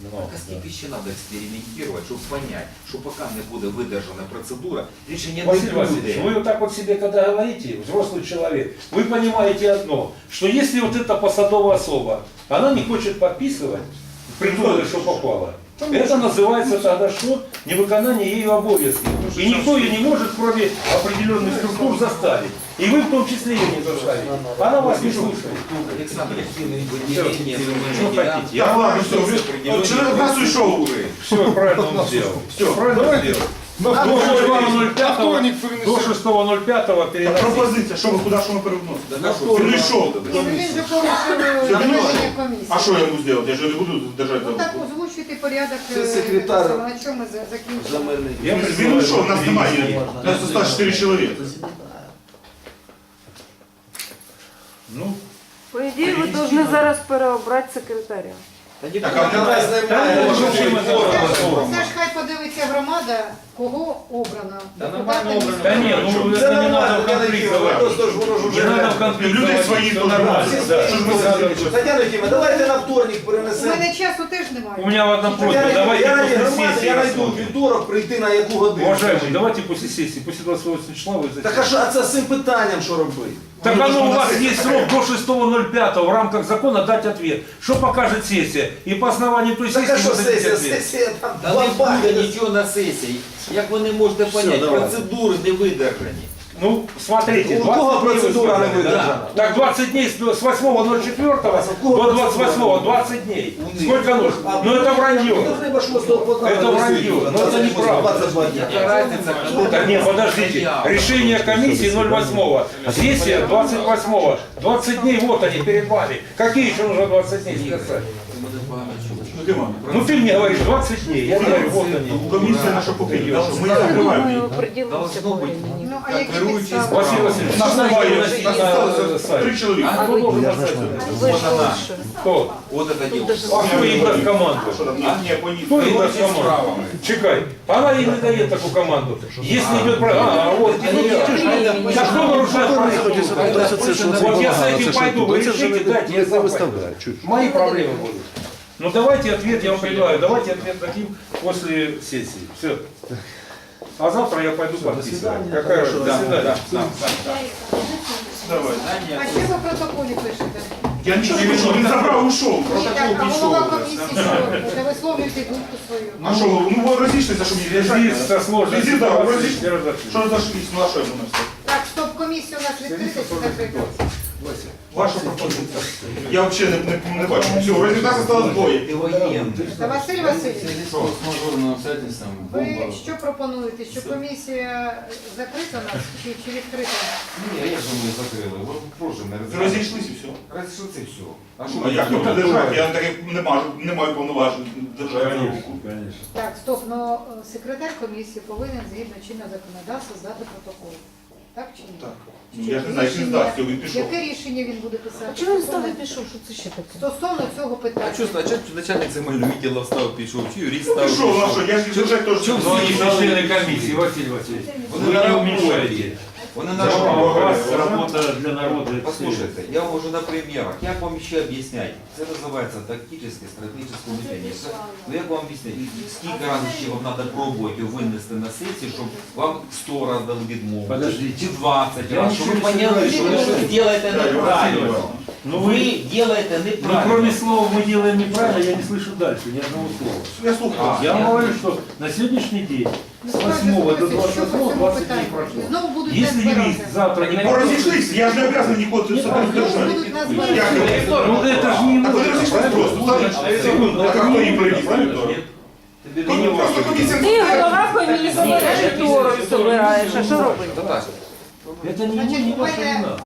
А скільки ще треба експериментувати, щоб понять, що поки не буде видержана процедура, рішення не Василий Васильевич, буде. вы вот так вот себе, когда говорите, взрослый человек, вы понимаете одно, что если вот эта посадовая особа, она не хочет подписывать, придумали, что попало, это называется тогда что? Невыконание ею обовязков. И никто ее не может, кроме определенных структур, заставить. И вы в том числе ее не заставите. Она вас не слушает. Александр, Что выделение хотите? Я ладно, все, человек раз ушел. Все правильно он сделал. Все правильно сделал. До 6.05 переносить. Пропозиція, що ви, куди, що ми перевносимо? Прийшов. Ні, ну він же порушив рішення комісії. А що я йому зробити? Я ж не буду держати. Ну так озвучуйте порядок, Це секретар на чому ми закінчимо. Земельний. Він ушов, нас немає. Нас осталось 4 чоловіка. Ну, По ідеї, ви повинні зараз переобрати секретаря. Так, а Давай знімаємо. Це ж хай подивиться громада, кого обрано. Та нормально обрано. да нет, ну Це это не надо нормально, в конфликт Тетяна заводить. просто ж воно ж Не надо в уже... конфликт Люди заводить, свои всё тоже нормально. носят. Да. Что ж мы за- Тетяна Ефимовна, давайте на вторник У перенесемо. мене часу теж немає. У меня одна просьба, Я давайте ради после громади, сессии я найду рассмотрим. вівторок прийти на яку годину. Уважаемые, давайте после сессии, после 28 числа вы Так а зайдете. що, а це з цим питанням що робити? Так оно у вас есть срок до 6.05 в рамках закона дать ответ. Что покажет сессия? И по основанию той Так сессии а що вы дадите сесія? ответ. Сесія там Та не бабахи. буде нічого на сесії. Як ви не можете поняти, давай. процедури не видержані. Ну, смотрите, У кого 20 дней процедура не вы сказали, выдержана? да. Так 20 дней с 8.04 до 28 20 дней. Сколько нужно? Ну это вранье. Ну, треба 6 по Это вранье, но это неправда. 22 дня. Яка разниця? Так нет, подождите. Решение комиссии 08-го. Сессия 28-го. 20 дней вот они перед вами. Какие еще нужно 20 дней сказать? Ну ты мне говоришь 20 дней. Я говорю, вот они. Комісія наша покинула, що ми їх Ми закриваємо. определимося Должно по бути. времени. Ну, а які Керуючий підстави? Василий Васильевич, Нас немає, на нас сайт. 3 чоловіка. Кто должен на сайт? Ви ж Вот она. лучше. Кто? От це діло. А кто ей даст команду? Що там? Ні, по ній. Кто ей даст Руки с команду? правом. Чекай. Она ей не дает такую команду. Если идет про... А, вот. Так кто нарушает правила? Вот я с этим пойду, вы решите, дайте, я сам пойду. Мои проблемы будут. Ну давайте ответ, я вам предлагаю, давайте ответ дадим после сессии. Все. А завтра я пойду подписывать. Какая же? До свидания. Давай. А що ви в протоколі пишете? Я нічого не пишу, він забрав, ушов. Ні, так, а голова комісії що? Де висловлюєте думку свою? А що, ну ви розійшлися, щоб їх Связи рішати? со сложностью Візит, да, ситуации розійшлися. держать. Що розійшлися? Ну а що я думаю? Так, стоп, комісія у нас відкрита чи закрита? Ваша пропозиція. Я взагалі не бачу. Все, результат осталось двоє. Ти воєнний. Та Василь Васильович, З обстоятельством. ви що пропонуєте? Що комісія закрита у нас чи відкрита? Ні, як же ми закрили? Ви прошу не Розійшлися і все. Розійшлися і все. А А як тут держати? Я таки не маю повноважень держати за руку. Конечно. Так, стоп, но секретар комісії повинен згідно чинного законодавства здати протокол. Так чи ні? Так. Ну, я ж не знаю, як він здасть, він пішов. Яке рішення він буде писати? А чого він став і пішов? Що це ще таке? Стосовно цього питання. А что, начальник земельного відділу встав, пішов, чи юрист Ну став? пішов, а що, я ж держать теж. Чого Но они всі же члены комиссии, Василий Васильевич. Вони Вы на не роботі. уменьшаете. Вони на У роботі. вас работа для народа. Послушайте, я вам уже на примерах, як вам ще об'ясняти? Це називається тактичне, стратегічне мислення. Ну як вам об'ясняти? Скільки разів ще вам треба пробувати винести на сесію, щоб вам 100 разів дали відмову? Подождите. Чи 20 Я разів, щоб ви ничего не поняли, знаю, що ви что щось вы- робите неправильно. Ну Ви вы... робите Ну, неправильно. кроме слова «мы делаем неправильно», я не слышу дальше ни одного слова. Я слухаю. Я вам говорю, что на сегодняшний день с 8 до 28 20 дней прошло. Знову будуть Если нас юрист збирати. завтра не Ну розійшлися, я ж не обов'язаний нікого це Знову держати. будуть нас Як збирати. ви? Ну это же не Так вони может. розійшлися просто. Секунду, Так это а хто не їм привіз? правильно? Віктор? Нет. Ну, просто комісія. Ти голова комісії, второк збираєш, а що робити? Та так. Это не Значит, не у мене ваша вина.